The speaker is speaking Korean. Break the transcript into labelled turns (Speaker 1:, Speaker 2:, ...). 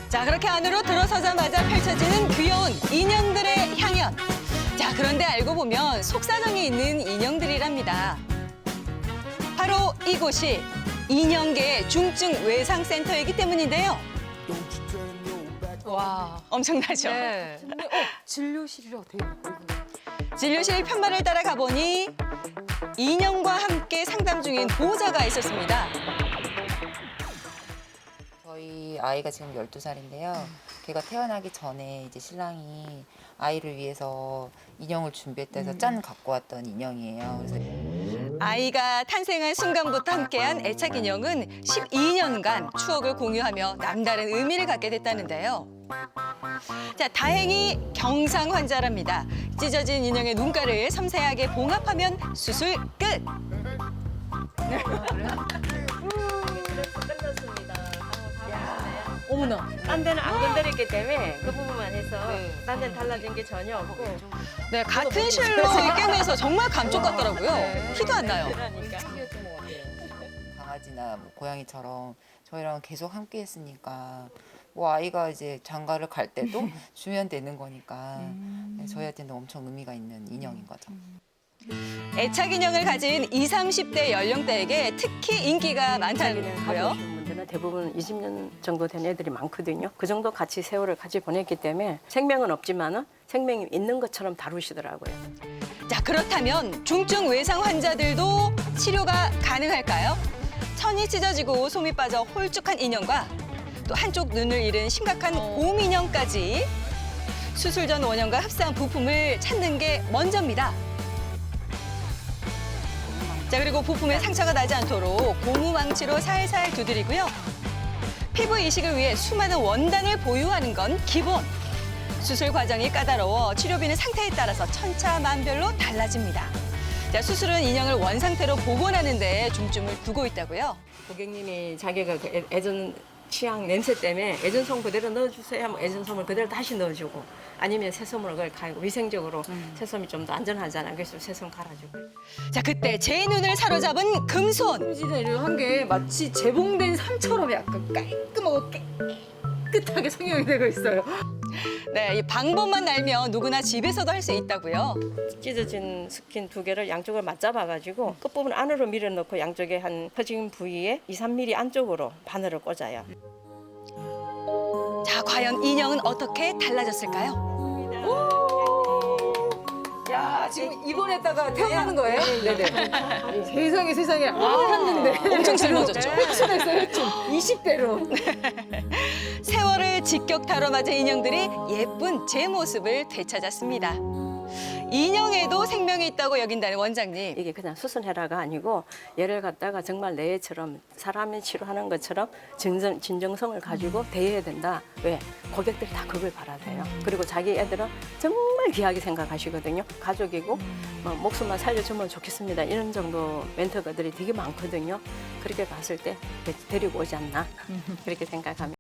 Speaker 1: 자, 그렇게 안으로 들어서자마자 펼쳐지는 귀여운 인형들의 향연. 자, 그런데 알고 보면 속사정이 있는 인형들이랍니다. 바로 이곳이 인형계 중증 외상센터이기 때문인데요.
Speaker 2: 와.
Speaker 1: 엄청나죠?
Speaker 2: 네. 진료실이라고 돼 있고.
Speaker 1: 진료실 편말을 따라 가보니 인형과 함께 상담 중인 보호자가 있었습니다.
Speaker 3: 저희 아이가 지금 12살인데요. 걔가 태어나기 전에 이제 신랑이 아이를 위해서 인형을 준비했다 해서 짠 갖고 왔던 인형이에요. 그래서
Speaker 1: 아이가 탄생한 순간부터 함께한 애착 인형은 12년간 추억을 공유하며 남다른 의미를 갖게 됐다는데요. 자, 다행히 경상 환자랍니다. 찢어진 인형의 눈가를 섬세하게 봉합하면 수술 끝!
Speaker 2: 어머나.
Speaker 4: 딴 데는 안 건드렸기 때문에 그 부분만 해서 딴 데는 달라진 게 전혀 없고
Speaker 1: 네, 같은 실로 꿰매서 정말 감쪽 같더라고요. 티도 안 나요.
Speaker 4: 그러니까
Speaker 3: 강아지나 뭐 고양이처럼 저희랑 계속 함께 했으니까 뭐 아이가 이제 장가를 갈 때도 주면 되는 거니까 저희한테는 엄청 의미가 있는 인형인 거죠.
Speaker 1: 애착 인형을 가진 20, 30대 연령대에게 특히 인기가
Speaker 4: 자기는
Speaker 1: 많다고요.
Speaker 4: 가고 오시는 분들은 대부분 20년 정도 된 애들이 많거든요. 그 정도 같이 세월을 같이 보냈기 때문에 생명은 없지만은 생명이 있는 것처럼 다루시더라고요.
Speaker 1: 자, 그렇다면 중증 외상 환자들도 치료가 가능할까요? 천이 찢어지고 솜이 빠져 홀쭉한 인형과 또 한쪽 눈을 잃은 심각한 곰 인형까지 수술 전 원형과 흡사한 부품을 찾는 게 먼저입니다. 자, 그리고 부품에 상처가 나지 않도록 고무 망치로 살살 두드리고요. 피부 이식을 위해 수많은 원단을 보유하는 건 기본. 수술 과정이 까다로워 치료비는 상태에 따라서 천차만별로 달라집니다. 자, 수술은 인형을 원상태로 복원하는 데 중점을 두고 있다고요.
Speaker 4: 고객님이 자기가 그 애전 취향 냄새 때문에 애전솜 그대로 넣어주세요 하면 애전솜을 그대로 다시 넣어주고 아니면 새솜으로 그걸 갈고 위생적으로 새솜이 좀 더 안전하잖아요. 그래서 새솜 갈아주고.
Speaker 1: 자, 그때 제 눈을 사로잡은 금손.
Speaker 2: 홈지대를 한 게 마치 재봉된 삶처럼 약간 깔끔하고 깨끗하게 성형이 되고 있어요.
Speaker 1: 네, 이 방법만 알면 누구나 집에서도 할 수 있다고요.
Speaker 4: 찢어진 스킨 2개를 양쪽을 맞잡아가지고 끝부분 안으로 밀어넣고 양쪽에 한 퍼진 부위에 2, 3mm 안쪽으로 바늘을 꽂아요.
Speaker 1: 자, 과연 인형은 어떻게 달라졌을까요?
Speaker 2: 야, 지금 입원했다가 태어나는 거예요? 네네. 세상에 세상에. 알았는데.
Speaker 1: 엄청 젊어졌죠?
Speaker 2: 흡수했어요, 흡수. 20대로.
Speaker 1: 세월을 직격타로 맞은 인형들이 예쁜 제 모습을 되찾았습니다. 인형에도 생명이 있다고 여긴다는 원장님.
Speaker 4: 이게 그냥 수선해라가 아니고 얘를 갖다가 정말 내 애처럼 사람이 치료하는 것처럼 진정성을 가지고 대해야 된다. 왜? 고객들이 다 그걸 바라세요. 그리고 자기 애들은 정말 귀하게 생각하시거든요. 가족이고 목숨만 살려주면 좋겠습니다. 이런 정도 멘토들이 되게 많거든요. 그렇게 봤을 때 데리고 오지 않나 그렇게 생각합니다.